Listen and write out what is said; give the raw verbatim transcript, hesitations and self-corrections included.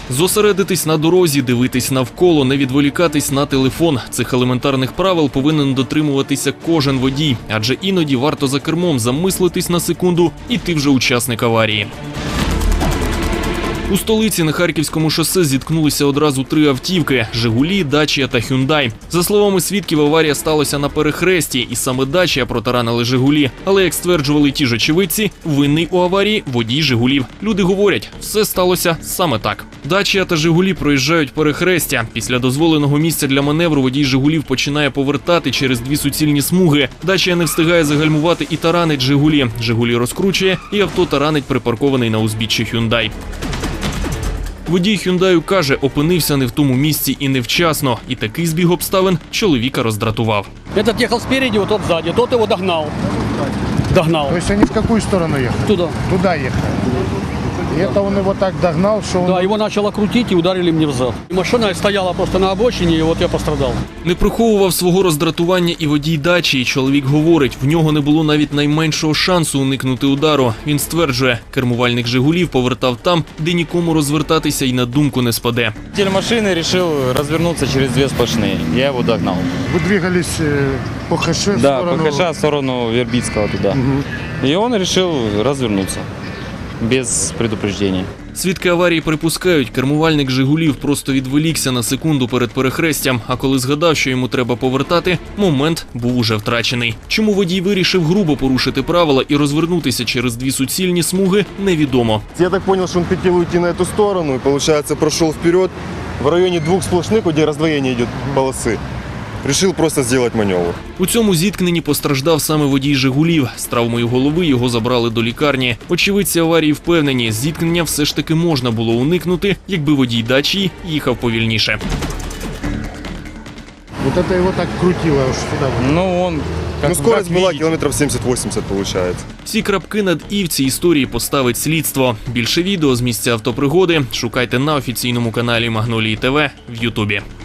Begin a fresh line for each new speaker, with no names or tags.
Зосередитись на дорозі, дивитись навколо, не відволікатись на телефон. Цих елементарних правил повинен дотримуватися кожен водій, адже іноді варто за кермом замислитись на секунду, і ти вже учасник аварії. У столиці на Харківському шосе зіткнулися одразу три автівки – «Жигулі», «Дачія» та «Хюндай». За словами свідків, аварія сталася на перехресті, і саме «Дачія» протаранили «Жигулі». Але, як стверджували ті ж очевидці, винний у аварії водій «Жигулів». Люди говорять, все сталося саме так. «Дачія» та «Жигулі» проїжджають перехрестя. Після дозволеного місця для маневру водій «Жигулів» починає повертати через дві суцільні смуги. «Дачія» не встигає загальмувати і таранить «Жигулі». «Жигулі» розкручує, і авто таранить припаркований на узбіччі «Хюндай». Водій «Хюндаю» каже, опинився не в тому місці і невчасно. І такий збіг обставин чоловіка роздратував.
Этот ехал спереди, вот тот сзади, тот его догнал. Догнал.
То есть они в какую сторону ехали?
Туда.
Туда ехали. И это он его так догнал, что он...
Да, его начало крутить и ударили мне в зад. И машина стояла просто на обочине, и вот я пострадал.
Не приховував свого роздратування і водій «Дачії». Чоловік говорить, в нього не було навіть найменшого шансу уникнути удару. Він стверджує, кермувальник «Жигулів» повертав там, де нікому розвертатися й на думку не спаде.
Водитель машины решил развернуться через две сплошные. Я его догнал.
Вы двигались э, по ХШ в
Да,
сторону...
по ХШ в сторону Вербицкого туда.
Угу.
И он решил развернуться без предупреждения.
Свідки аварії припускають, кермувальник «Жигулів» просто відволікся на секунду перед перехрестям, а коли згадав, що йому треба повертати, момент був уже втрачений. Чому водій вирішив грубо порушити правила і розвернутися через дві суцільні смуги, невідомо.
Я так понял, что он хотел уйти на эту сторону и, получается, прошел вперед в районе двух сплошных, где раздвоение идет полосы. Решил просто сделать маневр.
У цьому зіткненні постраждав саме водій «Жигулів». З травмою голови його забрали до лікарні. Очевидці аварії впевнені, зіткнення все ж таки можна було уникнути, якби водій «Дачії» їхав повільніше.
Вот это его так крутило аж сюда.
Ну, он... Как,
Ну, скорость
как
была
видите,
километров семьдесят-восемьдесят, получается.
Всі крапки над «і» в цій історії поставить слідство. Більше відео з місця автопригоди шукайте на офіційному каналі Магнолії ТВ в Ютубі.